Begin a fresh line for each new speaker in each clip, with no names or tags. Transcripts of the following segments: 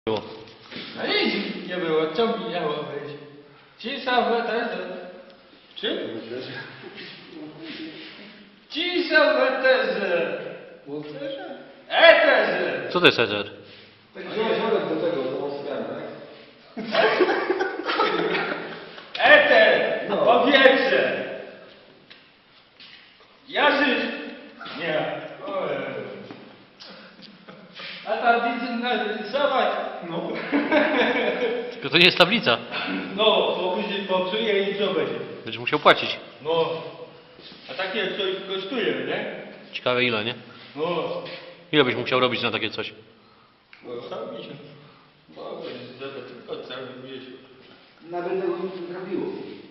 było.
No nic nie było, co miało być? Cisza w eterze. Czym? Cisza w eterze.
W eterze?
Eterze.
Co to jest eter?
Tak wziąłem do tego, do Oscara, tak?
Eter.
No.
Powietrze. Jarzysz. Nie. A tam widzę narysować. No.
Tylko to nie jest tablica.
No, bo później popsuje i co będzie?
Będziesz musiał płacić.
No. A takie coś kosztuje, nie?
Ciekawe ile, nie?
No.
Ile byś musiał robić na takie coś?
No cały miesiąc. Mogę zadać tylko cały miesiąc.
Nawet tego nie trafiło.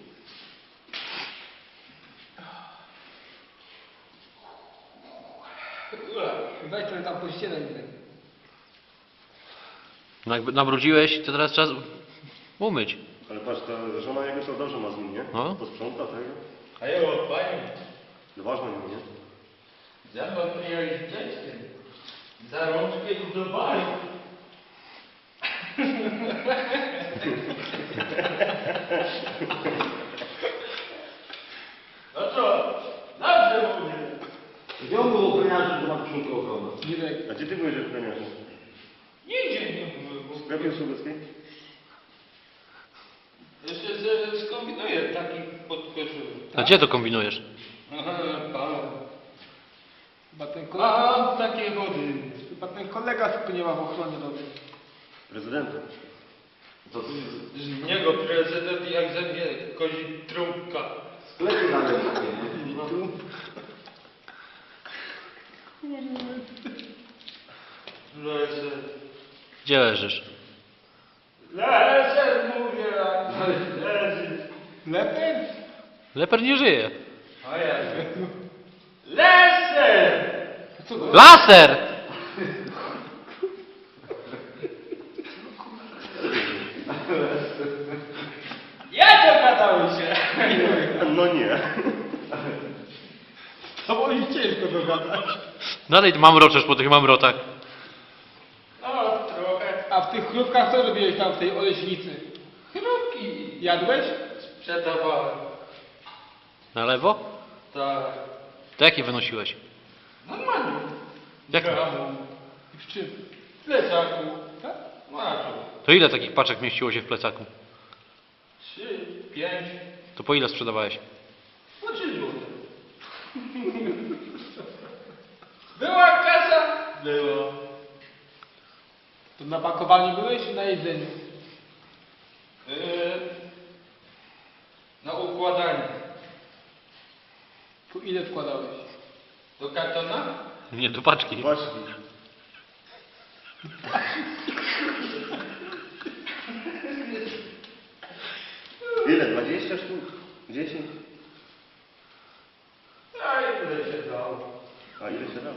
Weź trochę tam po ścianę.
No jakby nabrudziłeś, to teraz czas umyć.
Ale patrz, ta żona jego to dobrze ma z nim, nie?
No.
Posprząta tego.
A ja panie,
No ważne nią, nie?
za pan przyjechać z dzieckiem. Za rączkę i do baru. No co? Dobrze mówię.
Gdzie on był ochroniarzem, to ma koszulkę ochronę?
A gdzie ty byłeś w premierze?
Nigdzie nie było.
W sklepie Słubeckiej?
Jeszcze skombinuję taki podkoszul.
A gdzie to kombinujesz?
Aha, pan.
Chyba ten kolega,
A, takie wody.
chyba ten kolega tylko nie ma w ochronie dobrej.
Prezydentem.
To z niego prezydent jak ze mnie kozi trąbka.
Sklepy nawet takie, nie?
Leżę.
Gdzie leżysz?
Leżę, mówię. Leży.
Lepiej?
Leper nie żyje.
A ja. Leżę!
Co to?
Laser!
Ja to gadałem się.
No nie.
To było mi ciężko dogadać.
Dalej mamroczesz po tych mamrotach.
No, trochę.
A w tych chrupkach co robiłeś tam w tej oleśnicy?
Chrupki
Jadłeś?
sprzedawałem.
Na lewo?
Tak.
To jakie wynosiłeś?
Normalnie.
Jak?
Gramu.
W czym?
W plecaku.
Tak?
Maczu.
To ile takich paczek mieściło się w plecaku?
3, 5,
To po ile sprzedawałeś?
po 3 złote. Była kasa? Była.
To na pakowaniu byłeś czy na jedzeniu?
Yy, na układanie.
Tu ile wkładałeś?
Do kartona?
Nie, do paczki.
Właśnie. Ile? 20 sztuk? 10?
A ile się dało?
A ile się dało?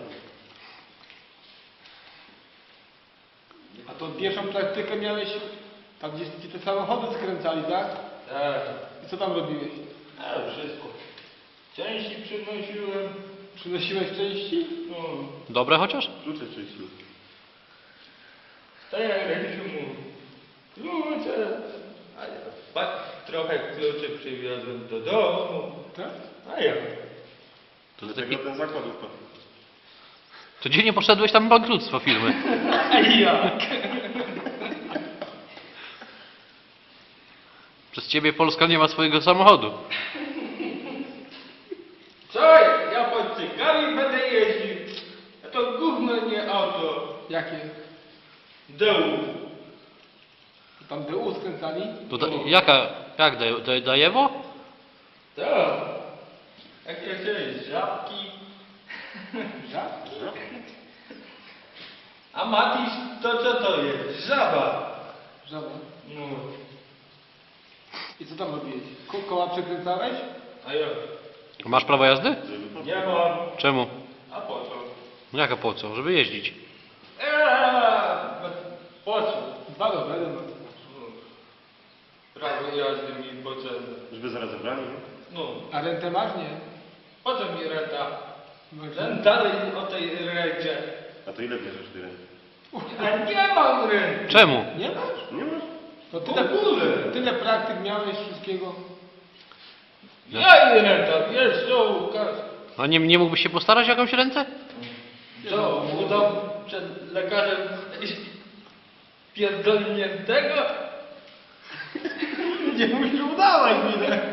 A to pierwszą praktykę miałeś tam, gdzie ci te samochody skręcali, tak?
Tak.
I co tam robiłeś?
A wszystko. Części przynosiłem.
Przynosiłeś części?
No.
Dobre chociaż?
Klucze czyścił.
Tak jak Rysiu mówi. Klucze. A ja trochę kluczy przywiozłem do domu.
Tak?
A ja.
To, ty
Dlatego
taki...
ten zakład upadł.
to gdzie nie poszedłeś tam bankructwo firmy?
A jak?
Przez ciebie Polska nie ma swojego samochodu.
Co? Ja pod cygami będę jeździł. A to gówno nie auto.
Jakie?
Dołu.
Tam DU skręcali?
To jak Dajewo?
Tak. Jak ja chciałem, żabki.
Żabki?
A Matiś, to co to jest? Żaba.
Żaba.
No.
I co tam robiłeś? Koła przekręcałeś?
A ja.
Masz prawo jazdy?
Nie mam.
Czemu?
A po co?
No jaka po co? Żeby jeździć.
Po co?
Dwa rowery mam.
Prawo jazdy mi potrzebne.
Żeby zaraz zabrali, nie?
No.
A rentę masz? Nie.
Po co mi renta?
No,
Ten dalej o tej rencie.
A to ile bierzesz ty ręki?
A nie mam ręki.
Czemu?
Nie masz?
Nie masz?
To
W ogóle.
tyle praktyk miałeś wszystkiego.
Ja nie tam, wiesz co, Łukasz?
A nie mógłbyś się postarać o jakąś ręce?
Co, udał przed lekarzem pierdolniętego?
Nie musisz udawać mi tak.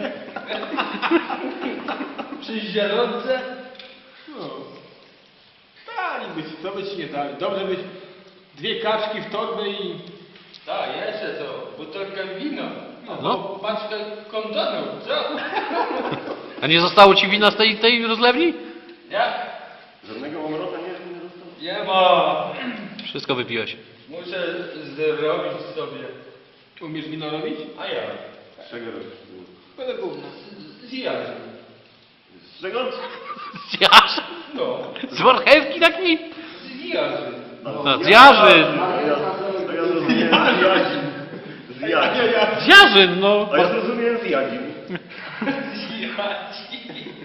Przy zielonce?
No. Daliby ci, co by ci nie dali. Dobrze być 2 kaczki w torbę i...
Tak, jeszcze to, butelkę wina.
No.
No. Paczkę kondonów, co?
A nie zostało ci wina z tej rozlewni?
Nie?
Żadnego omrota nie dostał?
Nie ma.
Wszystko wypiłeś.
Muszę zrobić sobie.
Umiesz wino robić?
A ja?
Z czego robisz?
Będę gówno.
Z jarzem.
Z czego?
Z jarzyn?
No,
Z marchewki takiej?
z jarzem.
No, z jarzyn.
To ja zrozumiałem z jadzin. Z jadzin.
Z jarzyn, no.
A ja zrozumiałem z jadzin.
Z jarzem.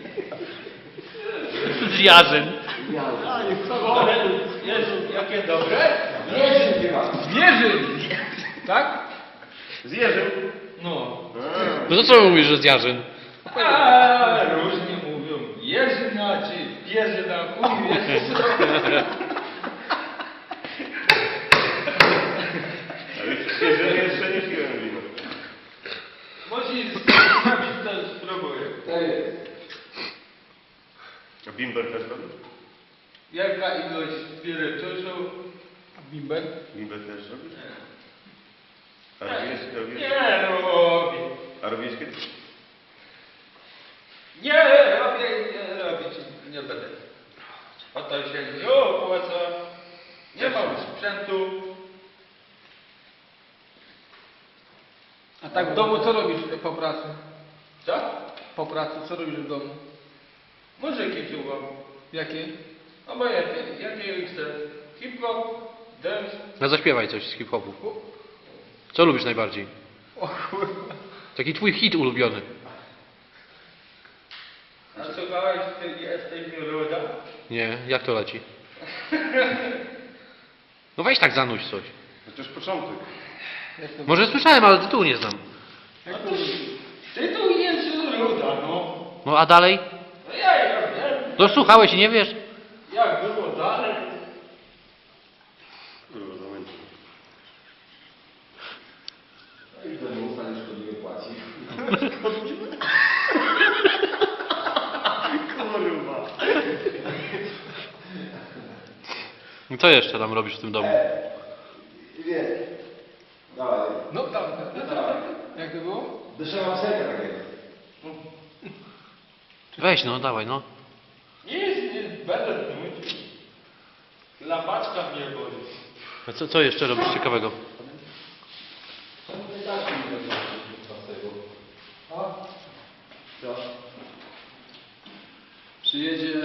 Z jarzyn.
A, jest co?
Ale jest, jakie dobre?
Zwierzyn! Tak?
Z jeżem.
No.
No to co mówisz, że z jarzyn?
A, różnie mówią. Jerzyna czy pierzyna, chuj wiesz co.
Ale z jeżem jeszcze nie piłem wina.
Musisz zrobić to, spróbuję.
A bimber też robisz?
Jaka ilość spirytusu?
A bimber?
Bimber też robisz? A robisz?
Nie robię.
A robisz kiedyś?
Nie robię, nie robić nie będę. O to się nie opłaca. Nie mam sprzętu.
A tak w domu co robisz po pracy?
Co?
Po pracy co robisz w domu?
Muzyki słucham.
Jakie?
No bo jakie chcę? Hip-hop, dance.
No zaśpiewaj coś z hip-hopu. Co lubisz najbardziej?
O kurwa.
Taki twój hit ulubiony.
A słuchałeś, ty jesteś ruda?
Nie, jak to leci? No weź tak zanuć coś.
Chociaż początek.
Jak to...
Może słyszałem, ale tytułu nie znam.
Jak to...
Tytuł jest ruda, no.
No a dalej?
No ja wiem.
No słuchałeś i nie wiesz?
Jak było dalej?
Kurwa, zamęczę.
I to nie ustanie szkodliwie płaci.
Kurwa.
I co jeszcze tam robisz w tym domu?
Wiem. Dawaj.
No tam, jak to było?
Deszczowa psenka takiego.
Weź no, dawaj no.
Nie będę nudził. Lapaczka mnie boli.
A co jeszcze robisz ciekawego?
Co?
Przyjedzie